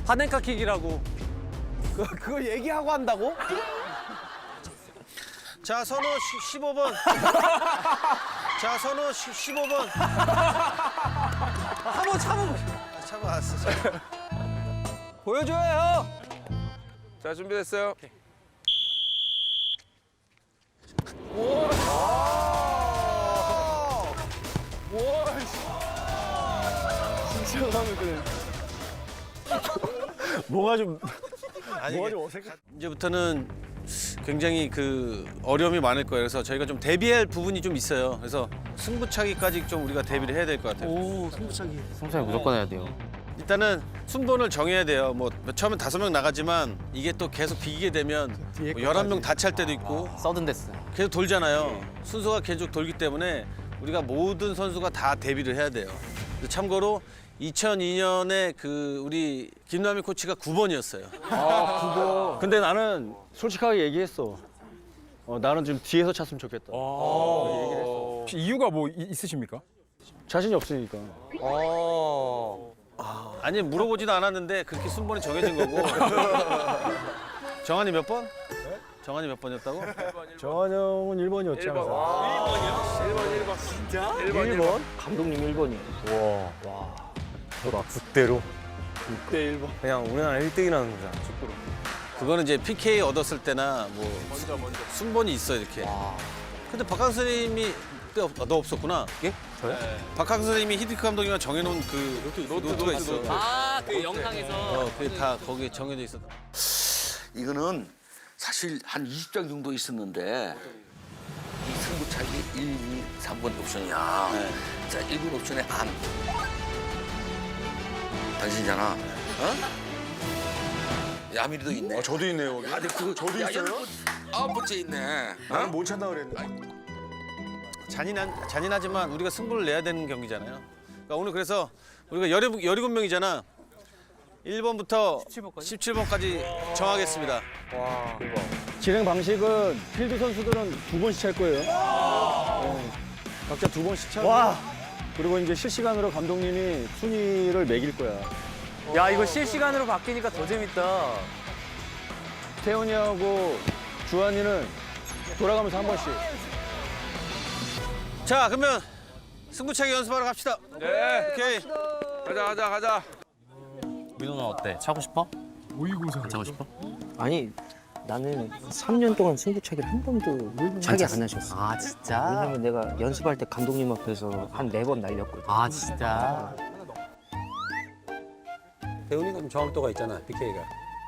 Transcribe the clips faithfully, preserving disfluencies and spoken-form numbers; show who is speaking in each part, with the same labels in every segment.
Speaker 1: 파넨카킥이라고.
Speaker 2: 그, 그거 얘기하고 한다고?
Speaker 3: 자, 선호 시, 십오 번. 자, 선호 시, 십오 번.
Speaker 1: 한번 참아.
Speaker 3: 참아, 알았어. 참아.
Speaker 1: 보여줘요.
Speaker 4: 자, 준비됐어요.
Speaker 2: 뭐가 좀
Speaker 3: 아니,
Speaker 2: 뭐가
Speaker 3: 이게
Speaker 2: 좀 어색해.
Speaker 3: 이제부터는 굉장히 그 어려움이 많을 거예요. 그래서 저희가 좀 대비할 부분이 좀 있어요. 그래서 승부차기까지 좀 우리가 대비를 해야 될 것 같아요.
Speaker 2: 오, 승부차기.
Speaker 5: 승부차기 무조건 해야 돼요.
Speaker 3: 일단은 순번을 정해야 돼요. 뭐 처음엔 다섯 명 나가지만 이게 또 계속 비기게 되면
Speaker 2: 뒤에
Speaker 3: 뭐 열한 명 다 찰 때도 있고
Speaker 5: 서든데스.
Speaker 3: 계속 돌잖아요. 순서가 계속 돌기 때문에 우리가 모든 선수가 다 대비를 해야 돼요. 참고로 이천이 년에 그 우리 김남희 코치가 구 번이었어요.
Speaker 2: 아, 그거. 근데 나는 솔직하게 얘기했어. 어, 나는 좀 뒤에서 찼으면 좋겠다.
Speaker 4: 혹시 이유가 뭐 이- 있으십니까?
Speaker 2: 자신이 없으니까.
Speaker 3: 아니 물어보지도 않았는데 그렇게 순번이 정해진 거고. 정한이 몇 번? 정한이 몇 번이었다고?
Speaker 2: 정한 형은 일 번이었지 항상.
Speaker 4: 일 번, 일 번. 진짜? 일 번,
Speaker 2: 일
Speaker 4: 일 번.
Speaker 2: 번?
Speaker 5: 감독님 일 번이요.
Speaker 2: 와, 와. 대박. 국대로. 육 대 일 번. 그냥 우리나라 일 등이라는 거잖아, 축구로.
Speaker 3: 그거는 이제 피케이 얻었을 때나 뭐
Speaker 4: 먼저, 먼저.
Speaker 3: 순번이 있어 이렇게. 근데 박항 선생님이 그때 없, 아, 너 없었구나.
Speaker 5: 예? 저요?
Speaker 3: 박항 선생님이 히딩크 감독님과 정해놓은 그 노트, 노트가 있어.
Speaker 1: 아, 그 영상에서.
Speaker 3: 어, 그게 다 거기에 정해져 있어.
Speaker 6: 이거는 사실 한 이십 장 정도 있었는데 이 승부차기 일, 이, 삼 번 옵션이야. 자, 일 번 옵션에 안. 당신이잖아. 어? 야미리도 있네.
Speaker 4: 아, 저도 있네요, 거기.
Speaker 6: 아, 근데 그거 저도 있어요? 아홉 번째 있네. 어?
Speaker 4: 못 찾나 그랬는데.
Speaker 3: 잔인한 잔인하지만 우리가 승부를 내야 되는 경기잖아요. 그러니까 오늘 그래서 우리가 열일곱 명이잖아. 일 번부터 십칠 번까지 정하겠습니다.
Speaker 2: 진행 방식은 필드 선수들은 두 번씩 찰 거예요. 네. 각자 두 번씩 차고. 그리고 이제 실시간으로 감독님이 순위를 매길 거야.
Speaker 1: 야, 이거 실시간으로 바뀌니까 더 재밌다.
Speaker 2: 태훈이하고 주한이는 돌아가면서 한 번씩.
Speaker 3: 자, 그러면 승부차기 연습하러 갑시다.
Speaker 4: 네.
Speaker 3: 오케이.
Speaker 4: 가자, 가자, 가자.
Speaker 5: 민호는 어때? 차고 싶어?
Speaker 4: 모의고사.
Speaker 5: 차고 싶어?
Speaker 7: 아니 나는 삼 년 동안 승부차기를 한 번도 차기 안 하셨어.
Speaker 5: 아 진짜?
Speaker 7: 왜냐면 내가 연습할 때 감독님 앞에서 한 네 번 날렸거든.
Speaker 5: 아 진짜?
Speaker 1: 대훈이가 좀 정확도가 있잖아, 피케이가.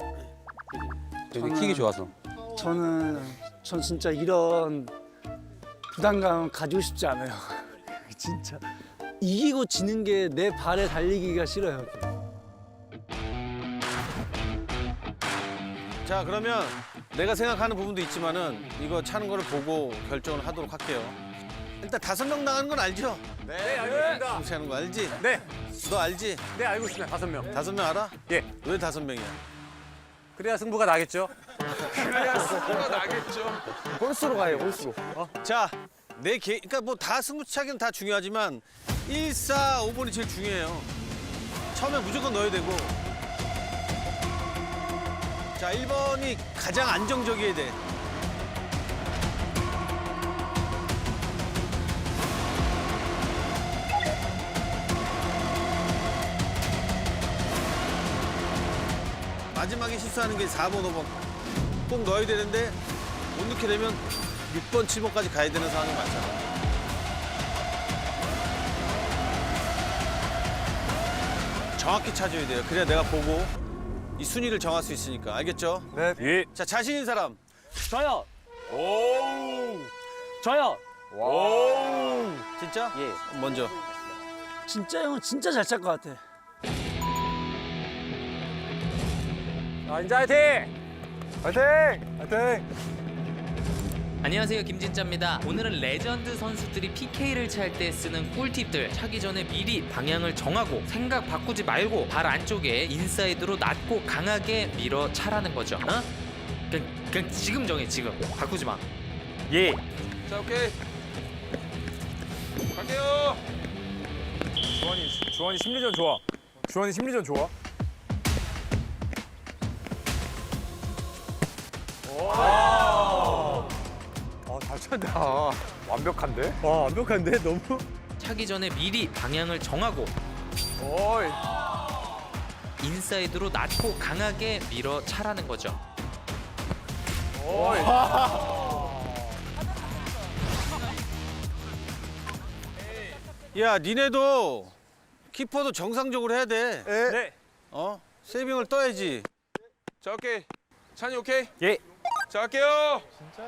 Speaker 1: 되게 킥이 좋아서.
Speaker 8: 저는 전 진짜 이런 부담감 가지고 싶지 않아요. 진짜 이기고 지는 게 내 발에 달리기가 싫어요.
Speaker 3: 자, 그러면 내가 생각하는 부분도 있지만은 이거 차는 거를 보고 결정을 하도록 할게요. 일단 다섯 명 나가는 건 알죠?
Speaker 1: 네, 알겠습니다.
Speaker 3: 승부차는 거 알지?
Speaker 1: 네,
Speaker 3: 너 알지?
Speaker 1: 네, 알고 있습니다. 다섯 명.
Speaker 3: 다섯 명 알아?
Speaker 1: 예.
Speaker 3: 왜 다섯 명이야?
Speaker 1: 그래야 승부가 나겠죠?
Speaker 4: 그래야 승부가 나겠죠.
Speaker 2: 홀수로 가요, 홀수로.
Speaker 3: 자, 내 개, 그러니까 뭐 다 승부차기는 다 중요하지만 일, 사, 오 번이 제일 중요해요. 처음에 무조건 넣어야 되고. 자, 일 번이 가장 안정적이어야 돼. 마지막에 실수하는 게 사 번, 오 번. 꼭 넣어야 되는데 못 넣게 되면 육 번, 칠 번까지 가야 되는 상황이 많잖아. 정확히 찾아야 돼요. 그래야 내가 보고 이 순위를 정할 수 있으니까. 알겠죠?
Speaker 1: 네.
Speaker 4: 예.
Speaker 3: 자, 자신 있는 사람.
Speaker 2: 저요.
Speaker 4: 오.
Speaker 2: 저요.
Speaker 4: 오.
Speaker 3: 진짜?
Speaker 7: 예.
Speaker 3: 먼저.
Speaker 8: 진짜 형은 진짜 잘 찰 것 같아.
Speaker 1: 자, 인자 화이팅!
Speaker 4: 화이팅! 화이팅!
Speaker 9: 안녕하세요, 김진짜입니다. 오늘은 레전드 선수들이 피케이를 찰 때 쓰는 꿀팁들, 차기 전에 미리 방향을 정하고 생각 바꾸지 말고 발 안쪽에 인사이드로 낮고 강하게 밀어 차라는 거죠. 어? 그냥, 그냥 지금 정해, 지금. 바꾸지 마.
Speaker 4: 예. 자, 오케이. 갈게요. 주원이, 주원이 심리전 좋아. 주원이 심리전 좋아. 아잘 찬다. 완벽한데? 와 완벽한데 너무.
Speaker 9: 차기 전에 미리 방향을 정하고
Speaker 4: 어이.
Speaker 9: 인사이드로 낮고 강하게 밀어 차라는 거죠.
Speaker 4: 어이.
Speaker 3: 야, 니네도 키퍼도 정상적으로 해야 돼.
Speaker 4: 네.
Speaker 3: 어? 세이빙을 떠야지.
Speaker 4: 자 오케이. 찬이 오케이?
Speaker 2: 예.
Speaker 4: 자 할게요.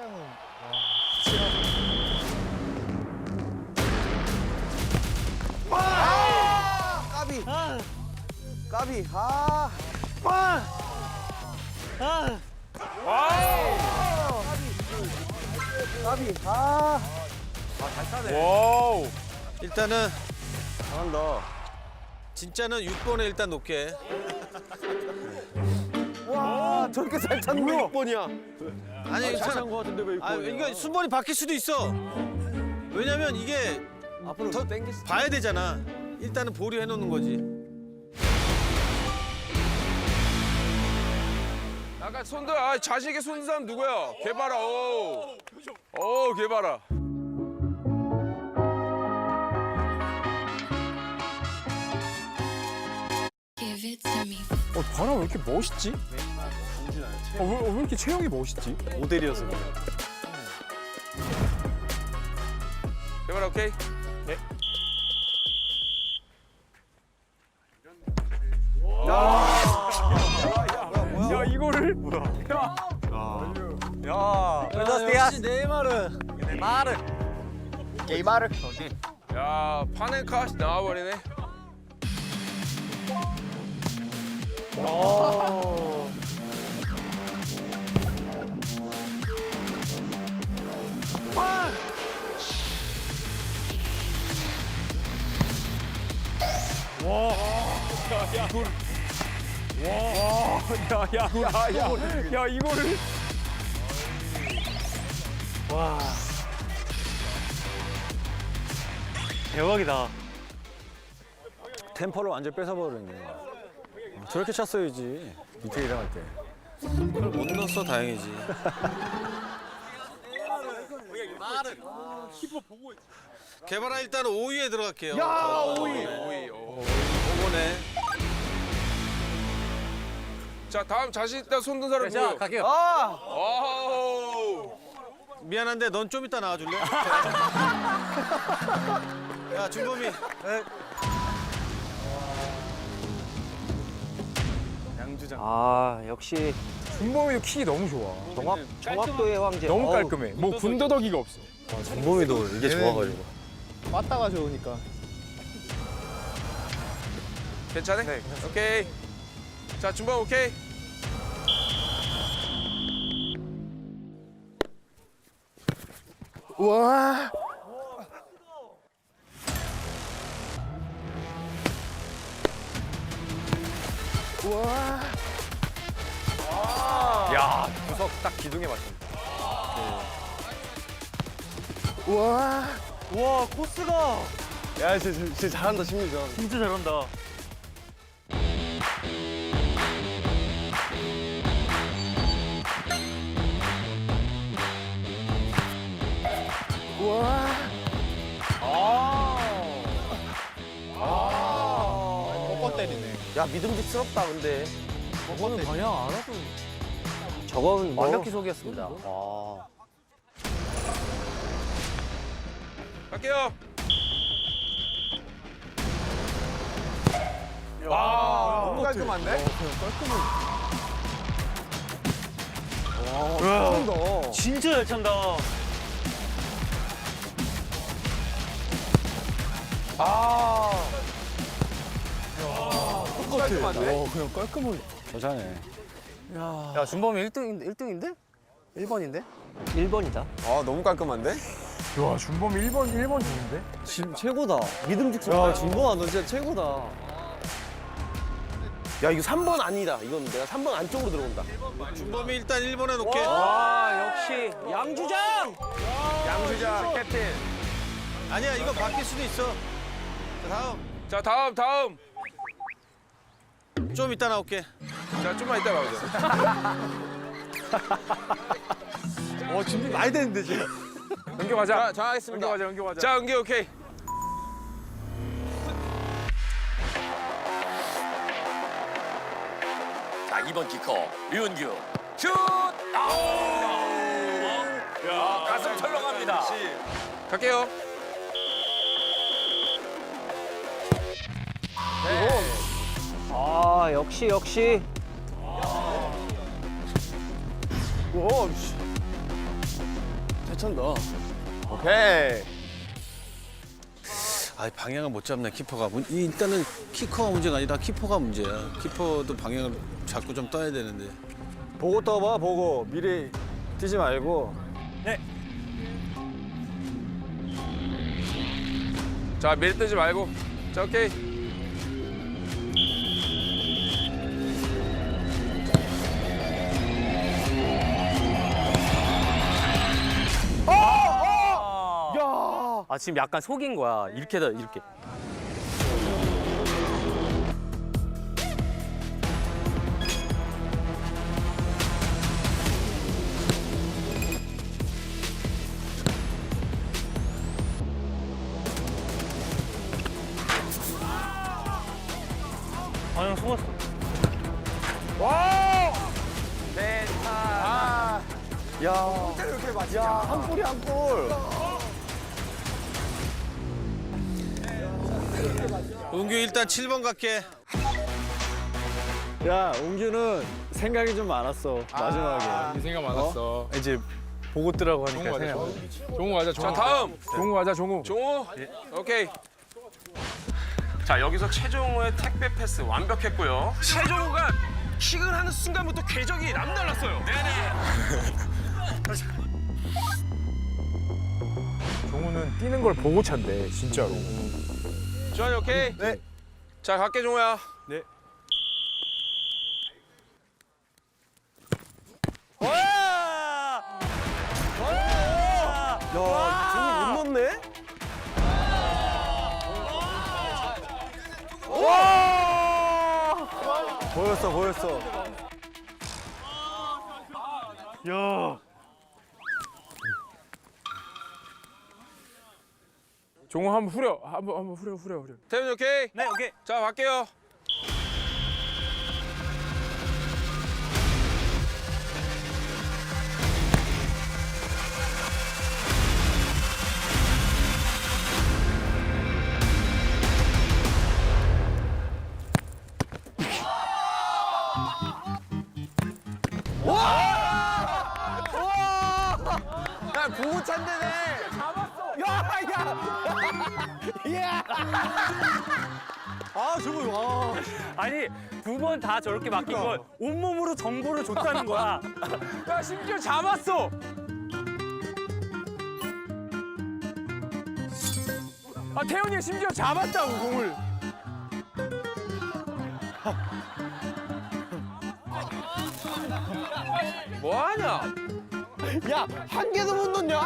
Speaker 4: 와우.
Speaker 3: 일단은 잘한다. 진짜는 육 번에 일단 놓게.
Speaker 2: 와 저렇게 잘 찾는 게 육 번이야.
Speaker 3: 아니, 괜찮아.
Speaker 2: 잘찬거 같은데 왜 육
Speaker 3: 아,
Speaker 2: 번이야?
Speaker 3: 이거 순번이 바뀔 수도 있어. 왜냐면 이게
Speaker 2: 앞으로
Speaker 3: 더
Speaker 2: 땡길 수.
Speaker 3: 봐야 되잖아. 일단은 보류해 놓는 거지.
Speaker 4: 약간 손들 아 자신 있게 손든 사람 누구야? 개봐라. 오. 오 개봐라. 어 바람 왜 이렇게 멋있지? 어, 왜, 어, 왜 이렇게 체형이 멋있지?
Speaker 2: 모델이어서 그래.
Speaker 4: 개봐라 오케이. 네. 야 이거를 야. 야.
Speaker 2: 역시 네이마르. 네이마르. 네이마르.
Speaker 4: 야 파넨카시 나와버리네. 야야야야 야 이거를.
Speaker 2: 대박이다. 템포를 완전 뺏어버리네. 어, 저렇게 찼어야지. 디테일을 할 때.
Speaker 3: 그걸 못 넣었어 다행이지. 개발아 일단 오 위에 들어갈게요. 야
Speaker 4: 오 위. 오 위. 오.
Speaker 3: 오번에.
Speaker 4: 자 다음 자신 있다 손든 사람
Speaker 2: 자
Speaker 4: 누구요?
Speaker 2: 갈게요.
Speaker 4: 아우.
Speaker 3: 미안한데 넌 좀 이따 나와줄래? 야 준범이.
Speaker 2: 양주장.
Speaker 7: 아 역시
Speaker 4: 준범이도 킥이 너무 좋아.
Speaker 7: 정확 정확도의 황제.
Speaker 4: 너무
Speaker 7: 어우,
Speaker 4: 깔끔해. 뭐 군더더기가 없어.
Speaker 2: 준범이도 이게 좋아가지고.
Speaker 4: 빠따가 좋으니까. 괜찮아? 네. 오케이. 자 준범 오케이.
Speaker 2: 와. 와.
Speaker 4: 야 구석 딱 기둥에 맞춘다.
Speaker 2: 와. 와 코스가. 야 진짜, 진짜 잘한다 심리전.
Speaker 7: 진짜 잘한다.
Speaker 2: 와.
Speaker 4: 꺾어 때리네.
Speaker 7: 야 믿음직스럽다 근데.
Speaker 2: 저거는 방향 알아도.
Speaker 7: 저건 완벽히 속이었습니다. 와.
Speaker 4: 갈게요. 와 너무 깔끔한데?
Speaker 2: 와.
Speaker 7: 진짜 잘 찬다.
Speaker 4: 아.
Speaker 2: 깔끔한데? 와 그냥 깔끔하게. 여자네.
Speaker 7: 야 준범이 일 등인데 일 등인데? 일 번인데? 일 번이다.
Speaker 4: 아 너무 깔끔한데? 야 준범이 일 번 일 번 좋은데?
Speaker 2: 지금 최고다. 믿음직스럽다. 야 준범아 너 진짜 최고다. 야 이거 삼 번 아니다. 이건 내가 삼 번 안쪽으로 들어온다.
Speaker 3: 준범이 일단 일 번에 놓게.
Speaker 7: 와 역시 양주장.
Speaker 4: 양주장 캡틴.
Speaker 3: 아니야 이거 바뀔 수도 있어. 자, 다음.
Speaker 4: 자 다음 다음.
Speaker 3: 좀 이따 나올게.
Speaker 4: 자 좀만 이따 나오자.
Speaker 2: 어 준비 많이 됐는데 지금.
Speaker 3: 연기 가자. 정하겠습니다. 연기 가자, 연기 가자. 자, 연기 오케이.
Speaker 6: 자, 이 번 키커 류은규 슛! 야, 가슴 철렁합니다.
Speaker 3: 갈게요.
Speaker 7: 아 역시 역시.
Speaker 2: 오, 씨. 잘 찬다. 오케이.
Speaker 3: 아, 방향을 못 잡네 키퍼가. 문- 이 일단은 키커가 문제가 아니라 키퍼가 문제야. 키퍼도 방향을 자꾸 좀 떠야 되는데.
Speaker 2: 보고 떠봐, 보고. 미리 뛰지 말고.
Speaker 3: 자, 미리 뜨지 말고. 자, 오케이.
Speaker 5: 아 지금 약간 속인 거야. 이렇게다 이렇게. 아형 속았어.
Speaker 2: 야, 야, 한 골이 한 골.
Speaker 3: 은규 일단 칠 번 갈게.
Speaker 2: 야, 웅규는 생각이 좀 많았어. 마지막에.
Speaker 4: 생각 많았어. 이제 보고 뜨라고 하니까 생각. 종우 가자, 종우.
Speaker 3: 자, 다음.
Speaker 4: 종우 가자, 종우.
Speaker 3: 종우. 오케이.
Speaker 10: 자, 여기서 최종우의 택배 패스 완벽했고요. 최종우가 킥을 하는 순간부터 궤적이 남달랐어요.
Speaker 4: 종우는 뛰는 걸 보고 찬대, 진짜로.
Speaker 3: 주환이 오케이.
Speaker 2: 네.
Speaker 3: 자, 갈게 종우야.
Speaker 2: 네. 야, 종우 못 넣네? 보였어, 보였어. 야.
Speaker 4: 종우 한번 후려, 한번 한번 후려, 후려, 후려.
Speaker 3: 태훈이 오케이.
Speaker 10: 네, 오케이.
Speaker 3: 자, 갈게요.
Speaker 2: 야, 보고 찬대네. 잡았어. 야, 야. 야. 아, 저거 와.
Speaker 5: 아니 두 번 다 저렇게 맡긴 건 온몸으로 정보를 줬다는 거야.
Speaker 4: 야, 심지어 잡았어. 아, 태훈이가 심지어 잡았다고 공을.
Speaker 3: 뭐하냐?
Speaker 2: 야, 한 개도 못 넣냐?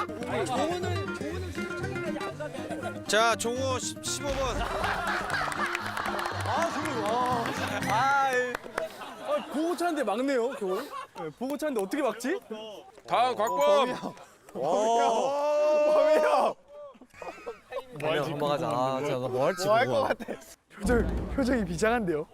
Speaker 3: 자, 종우 십오 번.
Speaker 2: 아, 저거 와. 아, 보고 차는데 막네요, 겨울. 네, 보고 차는데 어떻게 막지?
Speaker 3: 다음 곽범.
Speaker 2: 범이야.
Speaker 7: 넘어가자. 아, 자, 뭐 할지
Speaker 2: 뭐 할 것 같아. 표정, 표정이 비장한데요?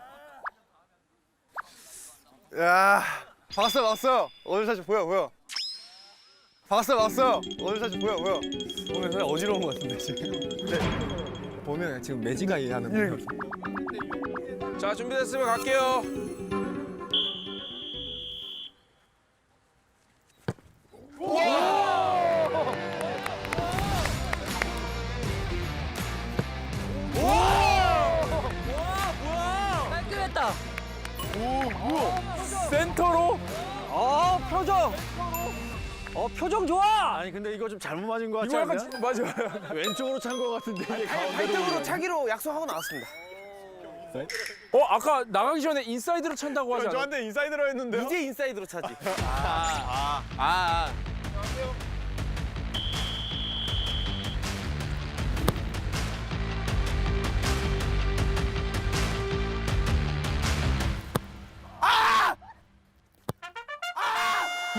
Speaker 2: 야, 박았어, 박았어. 오늘 사실 보여, 보여. 박았어, 박았어. 오늘 사실 보여, 보여. 오늘 그냥 어지러운 것 같은데, 지금. 네. 보면 지금 매지가이 하는 분.
Speaker 3: 자, 준비됐으면 갈게요.
Speaker 7: 깔끔했다.
Speaker 4: 센터로.
Speaker 7: 어 표정. 어 표정 좋아.
Speaker 2: 아니, 근데 이거 좀 잘못 맞은 것 같지
Speaker 4: 이거
Speaker 2: 않냐?
Speaker 4: 약간 맞아.
Speaker 2: 왼쪽으로 찬 것 같은데, 이게 가운데로.
Speaker 10: 차기로 약속하고 나왔습니다.
Speaker 4: 어, 아까 나가기 전에 인사이드로 찬다고 하지 않아?
Speaker 2: 저한테 인사이드로 했는데요?
Speaker 10: 이제 인사이드로 차지.
Speaker 3: 아, 아.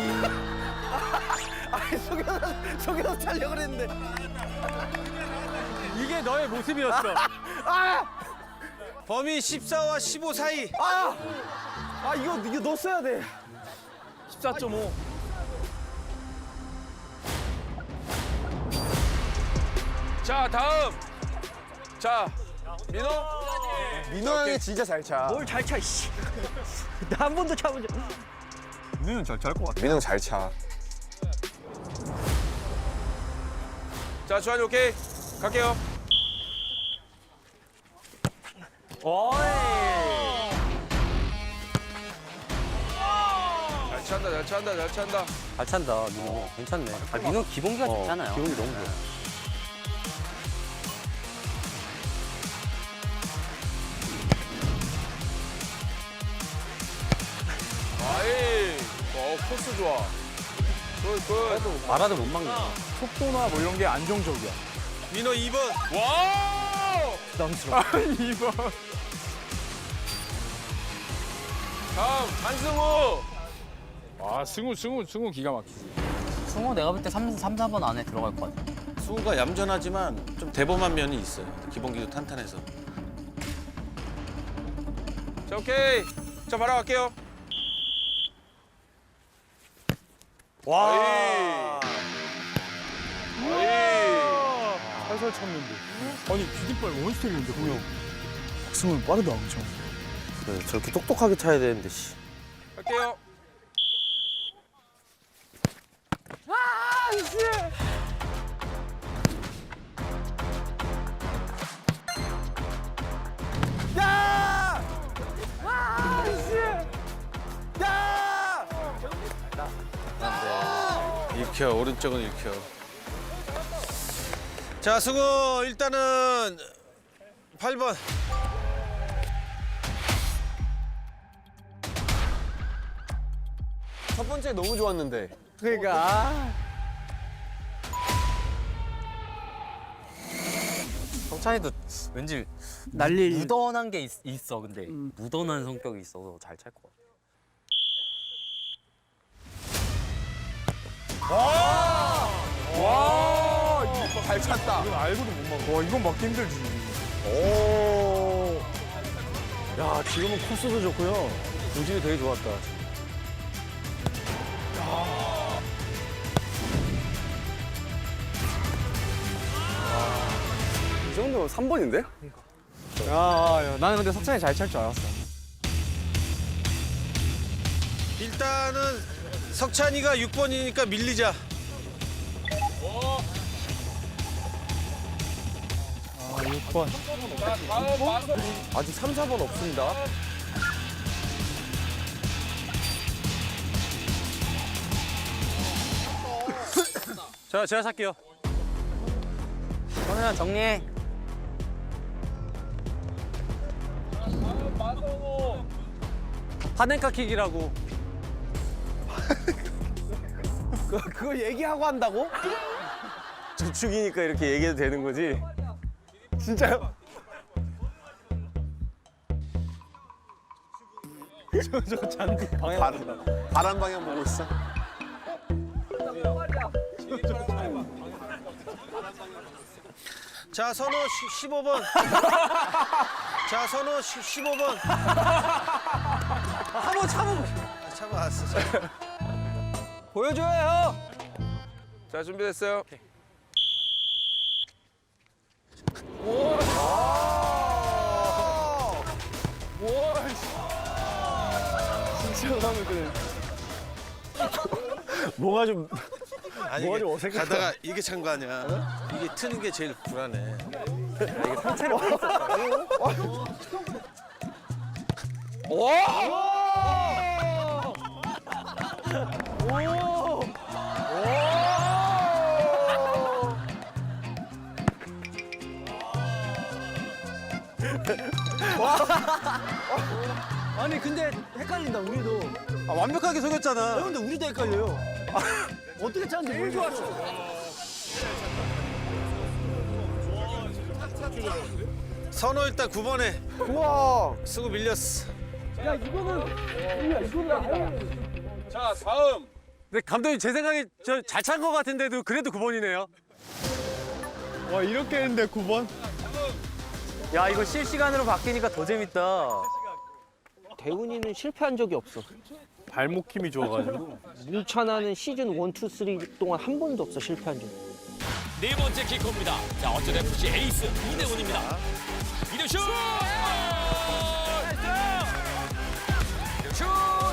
Speaker 2: 아니 속여서 속여서 차려고 그랬는데.
Speaker 5: 이게 너의 모습이었어.
Speaker 3: 범위 십사와 십오 사이.
Speaker 2: 아! 아 이거 이거 넣었어야 돼.
Speaker 5: 십사 점 오.
Speaker 10: 자 다음. 자 민호.
Speaker 2: 민호 형이 진짜 잘 차.
Speaker 7: 뭘 잘 차, 씨. 나 한 번도 차본 적.
Speaker 2: 민호는 잘 찰 것 같아. 민호 잘 차.
Speaker 10: 자 주한이 오케이. 갈게요. 잘 찬다 잘 찬다 잘 찬다.
Speaker 1: 잘 찬다 민호. 괜찮네.
Speaker 5: 아, 민호 기본기가
Speaker 1: 어,
Speaker 5: 좋잖아요.
Speaker 1: 기분이 너무 좋아.
Speaker 10: 아이. 어 코스 좋아. 굿 굿.
Speaker 1: 말아도 못 막네.
Speaker 2: 속도나 뭐 이런 게 안정적이야.
Speaker 3: 민호 이 번.
Speaker 10: 와.
Speaker 2: 부담스러워.
Speaker 10: 이 번. 다음 한승우.
Speaker 5: 아 승우 승우 승우 기가 막히지. 승우 내가 볼 때 삼, 삼, 사 번 안에 들어갈 것 같아.
Speaker 3: 수우가 얌전하지만 좀 대범한 면이 있어요. 기본기도 탄탄해서.
Speaker 10: 자 오케이. 자 바로 갈게요. 와.
Speaker 2: 살살 쳤는데. 아니 비디발 원스텝인데 그냥. 박승훈 빠르다 엄청.
Speaker 1: 그래, 저렇게 똑똑하게 차야 되는데 씨.
Speaker 10: 갈게요.
Speaker 2: 야! 아, 씨! 야!
Speaker 3: 읽혀 오른쪽은 읽혀. 자 승우 일단은 팔 번.
Speaker 2: 첫 번째 너무 좋았는데. 그러니까.
Speaker 5: 성찬이도 왠지
Speaker 8: 날릴
Speaker 5: 무던한 게 있, 있어. 근데 무던한 성격이 있어서 잘 찰 것 같아.
Speaker 2: 와! 이거 잘 찼다. 이건 알고도 못 막아. 와, 이건 막기 힘들지. 오. 야, 지금은 코스도 좋고요. 우진이 되게 좋았다. 이 정도면 삼 번인데? 야, 야, 나는 근데 석찬이 잘 찰 줄 알았어.
Speaker 3: 일단은 석찬이가 육 번이니까 밀리자.
Speaker 2: 아, 육 번. 아직 삼, 사 번 없습니다.
Speaker 1: 자 제가 살게요.
Speaker 5: 성현아 정리해.
Speaker 1: 파넨카 킥이라고.
Speaker 2: 그거 얘기하고 한다고? 주축이니까 이렇게 얘기해도 되는 거지? 진짜요? 저, 저 잔디 방향 바람, 바람 방향 보고 있어.
Speaker 3: 자 선호 시- 십오 번. 자 선호 시- 십오 번.
Speaker 2: 한번 참아.
Speaker 3: 참아왔어. 참아.
Speaker 2: 보여줘요.
Speaker 10: 자 준비됐어요.
Speaker 2: 진짜 하면 그래. 뭐가 좀
Speaker 3: 아니
Speaker 2: 뭐가
Speaker 3: 이게
Speaker 2: 좀 어색해.
Speaker 3: 가다가 이게 찬 거 아니야? 이게 트는 게 제일 불안해.
Speaker 8: 아니 근데 헷갈린다 우리도.
Speaker 2: 아, 완벽하게 속였잖아.
Speaker 8: 근데 우리도 헷갈려요. 어떻게 찾는지 모르겠어.
Speaker 3: 선호 일단 구 번에
Speaker 2: 우와.
Speaker 3: 쓰고 밀렸어.
Speaker 8: 야 이거는 이거는 아예
Speaker 10: 자 다음
Speaker 1: 근데 감독님 제 생각에 저 잘 찬 것 같은데도 그래도 구 번이네요.
Speaker 2: 와 이렇게 했는데 구 번?
Speaker 5: 야 이거 실시간으로 바뀌니까 더 재밌다.
Speaker 7: 대훈이는 실패한 적이 없어.
Speaker 2: 발목 힘이 좋아가지고.
Speaker 7: 문찬아는 시즌 일, 이, 삼 동안 한 번도 없어 실패한 적.
Speaker 11: 네 번째 키커입니다. 자, 어쩌다 에프씨 에이스 이대훈입니다. 이대훈 슛! 슛!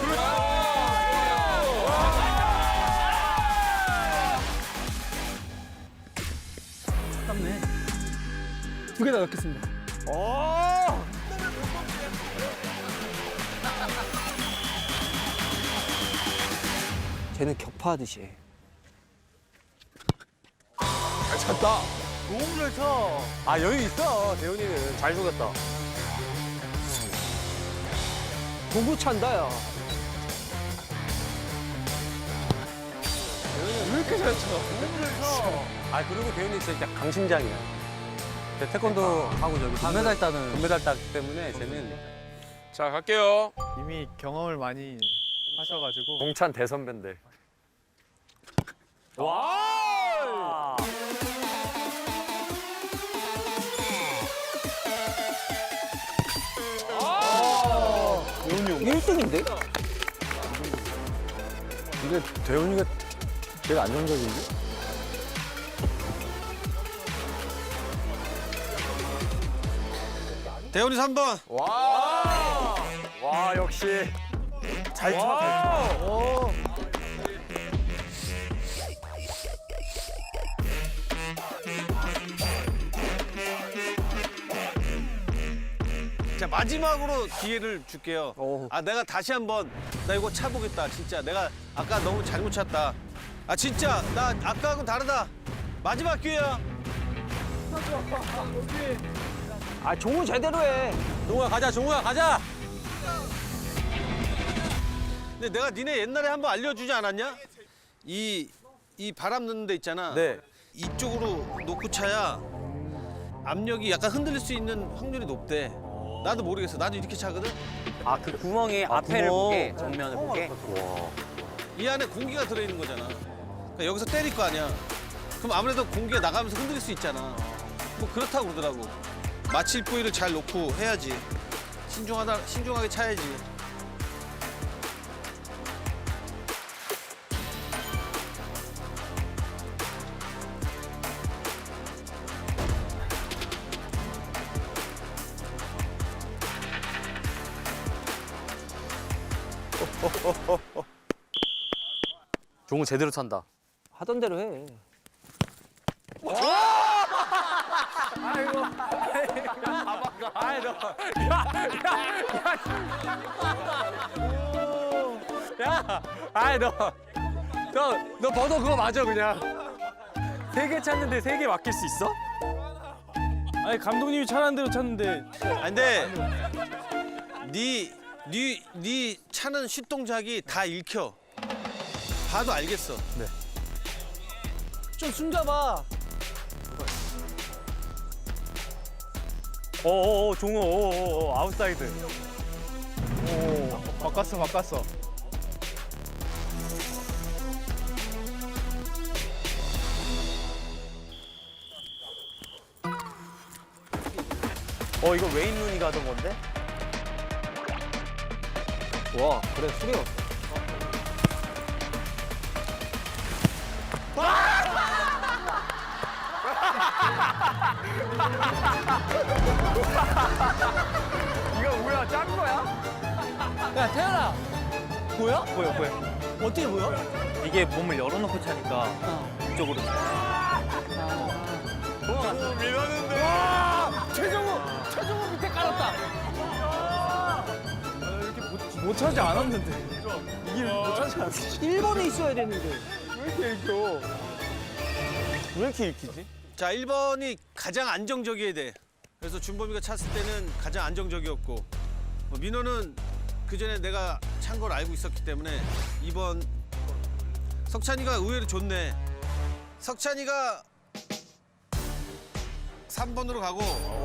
Speaker 8: 땀네. 두 개 다 넣겠습니다.
Speaker 7: 쟤는 격파하듯이 해.
Speaker 2: 너무 잘 쳐.
Speaker 1: 아 여유 있어 대훈이는.
Speaker 5: 잘 속였다.
Speaker 7: 도구 찬다 야.
Speaker 2: 왜 이렇게 잘 쳐? 너무 잘 쳐.
Speaker 1: 아 그리고 대훈이 진짜 강심장이야. 제 태권도 하고 저기
Speaker 5: 금메달 따는.
Speaker 1: 금메달 땄기 때문에 쟤는
Speaker 10: 자, 갈게요.
Speaker 2: 이미 경험을 많이 하셔가지고.
Speaker 5: 동찬 대선배인데.
Speaker 7: 일 등인데?
Speaker 1: 근데 대훈이가 제일 안정적인데?
Speaker 3: 대훈이 삼 번.
Speaker 5: 와 역시.
Speaker 2: 잘 쳐, 잘 쳐.
Speaker 3: 자, 마지막으로 기회를 줄게요. 아, 내가 다시 한번 나 이거 차보겠다. 진짜 내가 아까 너무 잘못 찼다. 아, 진짜 나 아까하고는 다르다. 마지막 기회야.
Speaker 7: 아 종우 제대로 해.
Speaker 1: 종우야 가자 종우야 가자.
Speaker 3: 근데 내가 니네 옛날에 한번 알려주지 않았냐? 이, 이 바람 넣는 데 있잖아.
Speaker 1: 네.
Speaker 3: 이쪽으로 놓고 차야 압력이 약간 흔들릴 수 있는 확률이 높대. 나도 모르겠어. 나도 이렇게 차거든.
Speaker 5: 아 그 구멍이 앞에를 보게 정면을 보게.
Speaker 3: 이 안에 공기가 들어있는 거잖아. 그러니까 여기서 때릴 거 아니야. 그럼 아무래도 공기가 나가면서 흔들릴 수 있잖아. 뭐 그렇다고 그러더라고. 마칠 부위를 잘 놓고 해야지. 신중하다, 신중하게 차야지.
Speaker 5: 종우 제대로 찬다.
Speaker 7: 하던 대로 해.
Speaker 1: 아이 너. 야, 아이 너. 너, 너 번호 그거 맞아 그냥. 세 개 찼는데 세 개 맡길 수 있어?
Speaker 2: 아니 감독님이 차라는 대로 찼는데.
Speaker 3: 아 근데 네, 네, 네 차는 슛 동작이 다 읽혀. 봐도 알겠어.
Speaker 8: 좀 숨겨봐.
Speaker 5: 오오오 종우 오오오 아웃사이드.
Speaker 2: 오 바꿨어 바꿨어.
Speaker 5: 어 이거 웨인 루니가 하던 건데?
Speaker 7: 와 그래 수비 없어.
Speaker 5: 이거 뭐야 짠 거야?
Speaker 8: 야 태연아. 보여?
Speaker 5: 보여 보여.
Speaker 8: 어떻게 보여?
Speaker 5: 이게 몸을 열어놓고 차니까 이쪽으로.
Speaker 8: 최정우. 최정우 밑에 깔았다.
Speaker 2: 못 차지 않았는데. 이게 못 차지 않았어.
Speaker 7: 일 번에 있어야 되는데.
Speaker 2: 왜 이렇게 읽혀? 왜 이렇게 읽히지?
Speaker 3: 자, 일 번이 가장 안정적이어야 돼. 그래서 준범이가 찼을 때는 가장 안정적이었고 뭐 민호는 그 전에 내가 찬 걸 알고 있었기 때문에 이 번 석찬이가 의외로 좋네. 석찬이가 삼 번으로 가고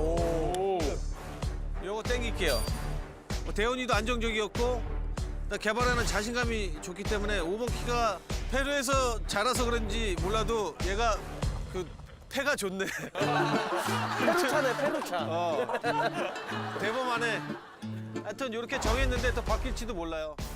Speaker 3: 요거 땡길게요. 뭐 대현이도 안정적이었고 나 개발하는 자신감이 좋기 때문에 오 번 키가 페루에서 자라서 그런지 몰라도 얘가 그 패가 좋네.
Speaker 2: 페루차네 페루차.
Speaker 3: 어. 대범하네. 하여튼 이렇게 정했는데 또 바뀔지도 몰라요.